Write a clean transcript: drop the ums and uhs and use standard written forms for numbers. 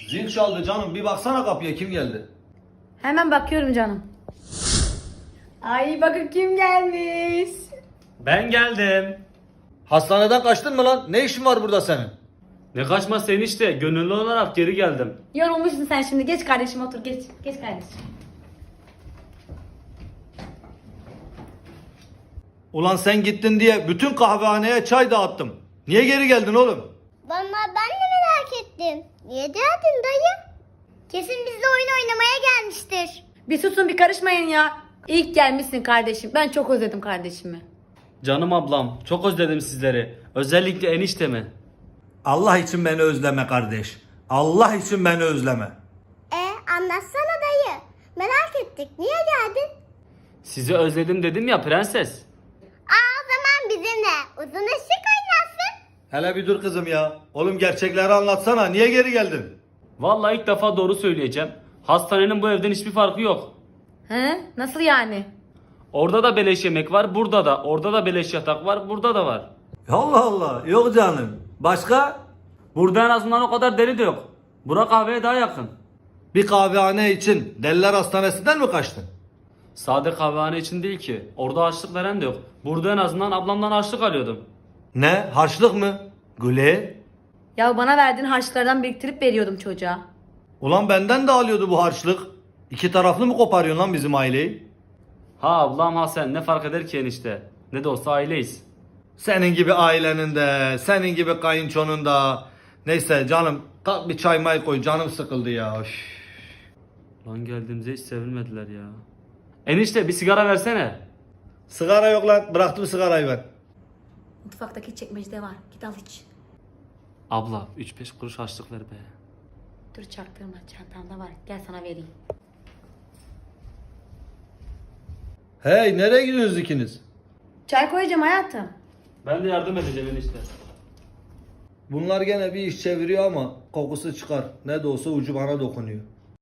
Zil çaldı canım, bir baksana kapıya, kim geldi? Hemen bakıyorum canım. Ay bakın kim gelmiş. Ben geldim. Hastaneden kaçtın mı lan? Ne işin var burada senin? Ne kaçması enişte, gönüllü olarak geri geldim. Yorulmuşsun sen şimdi. Geç kardeşim otur geç. Geç kardeşim. Ulan sen gittin diye bütün kahvehaneye çay dağıttım. Niye geri geldin oğlum? Vallahi ben de merak ettim. Niye geldin dayı? Kesin bizle oyun oynamaya gelmiştir. Bir susun bir karışmayın ya. İlk gelmişsin kardeşim. Ben çok özledim kardeşimi. Canım ablam, çok özledim sizleri. Özellikle eniştemi. Allah için beni özleme kardeş. Allah için beni özleme. Anlatsana dayı. Merak ettik. Niye geldin? Sizi özledim dedim ya prenses. O zaman bizimle uzun ışık oynasın. Hele bir dur kızım ya. Oğlum gerçekleri anlatsana. Niye geri geldin? Vallahi ilk defa doğru söyleyeceğim. Hastanenin bu evden hiçbir farkı yok. He? Nasıl yani? Orada da beleş yemek var, burada da. Orada da beleş yatak var, burada da var. Allah Allah. Yok canım. Başka? Burada en azından o kadar deli de yok. Bura kahveye daha yakın. Bir kahvehane için Deliler Hastanesi'nden mi kaçtın? Sade kahvehane için değil ki. Orada harçlık veren de yok. Burada en azından ablamdan harçlık alıyordum. Ne? Harçlık mı? Güle? Ya bana verdiğin harçlardan biriktirip veriyordum çocuğa. Ulan benden de alıyordu bu harçlık. İki taraflı mı koparıyorsun lan bizim aileyi? Ha ablam ha sen ne fark eder ki enişte? Ne de olsa aileyiz. Senin gibi ailenin de, senin gibi kayınçonun da. Neyse canım, kalk bir çay may koy, canım sıkıldı ya. Üf. Lan geldiğimize hiç sevilmediler ya. Enişte bir sigara versene. Sigara yok lan, bıraktım sigarayı ben. Mutfaktaki çekmecede var. Git al iç. Abla 3-5 kuruş harçlık ver be. Dur çaktırma çantamda var. Gel sana vereyim. Hey, nereye gidiyorsunuz ikiniz? Çay koyacağım hayatım. Ben de yardım edeceğim enişte. Bunlar gene bir iş çeviriyor ama kokusu çıkar. Ne de olsa ucu bana dokunuyor.